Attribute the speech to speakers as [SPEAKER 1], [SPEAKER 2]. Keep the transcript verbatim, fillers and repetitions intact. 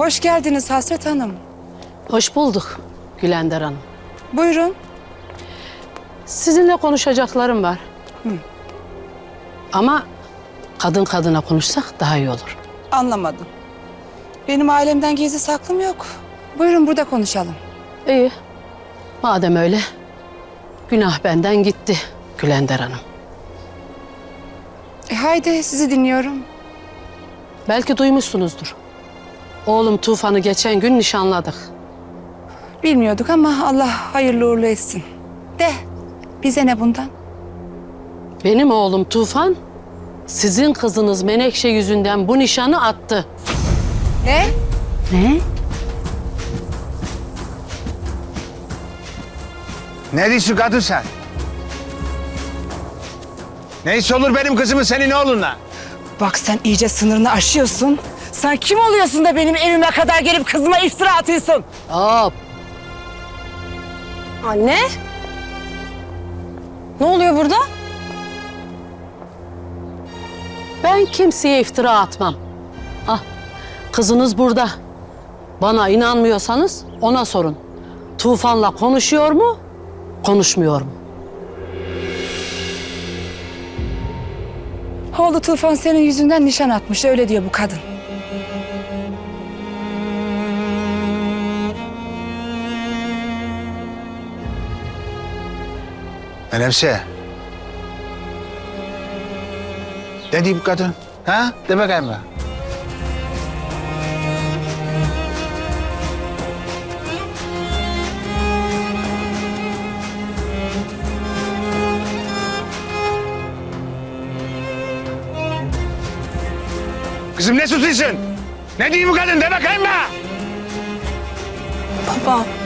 [SPEAKER 1] Hoş geldiniz Hasret Hanım.
[SPEAKER 2] Hoş bulduk Gülender Hanım.
[SPEAKER 1] Buyurun.
[SPEAKER 2] Sizinle konuşacaklarım var.
[SPEAKER 1] Hı.
[SPEAKER 2] Ama kadın kadına konuşsak daha iyi olur.
[SPEAKER 1] Anlamadım. Benim ailemden gizli saklım yok. Buyurun burada konuşalım.
[SPEAKER 2] İyi. Madem öyle, günah benden gitti Gülender Hanım.
[SPEAKER 1] E haydi sizi dinliyorum.
[SPEAKER 2] Belki duymuşsunuzdur. Oğlum Tufan'ı geçen gün nişanladık.
[SPEAKER 1] Bilmiyorduk ama Allah hayırlı uğurlu etsin. De bize ne bundan?
[SPEAKER 2] Benim oğlum Tufan, sizin kızınız Menekşe yüzünden bu nişanı attı.
[SPEAKER 1] Ne?
[SPEAKER 2] Ne?
[SPEAKER 3] Ne diyorsun kadın sen? Neyse olur benim kızımın senin oğlunla.
[SPEAKER 1] Bak sen iyice sınırını aşıyorsun. Sen kim oluyorsun da benim evime kadar gelip kızıma iftira atıyorsun?
[SPEAKER 2] Hop!
[SPEAKER 4] Anne? Ne oluyor burada?
[SPEAKER 2] Ben kimseye iftira atmam. Ah, kızınız burada. Bana inanmıyorsanız ona sorun. Tufan'la konuşuyor mu, konuşmuyor mu?
[SPEAKER 1] Oğlu Tufan senin yüzünden nişan atmış, öyle diyor bu kadın.
[SPEAKER 3] Menekşe. Ne diyeyim kadın? Ha? De bakayım ben. Kızım ne susuyorsun? Ne diyeyim bu kadın? De bakayım ben.
[SPEAKER 4] Baba.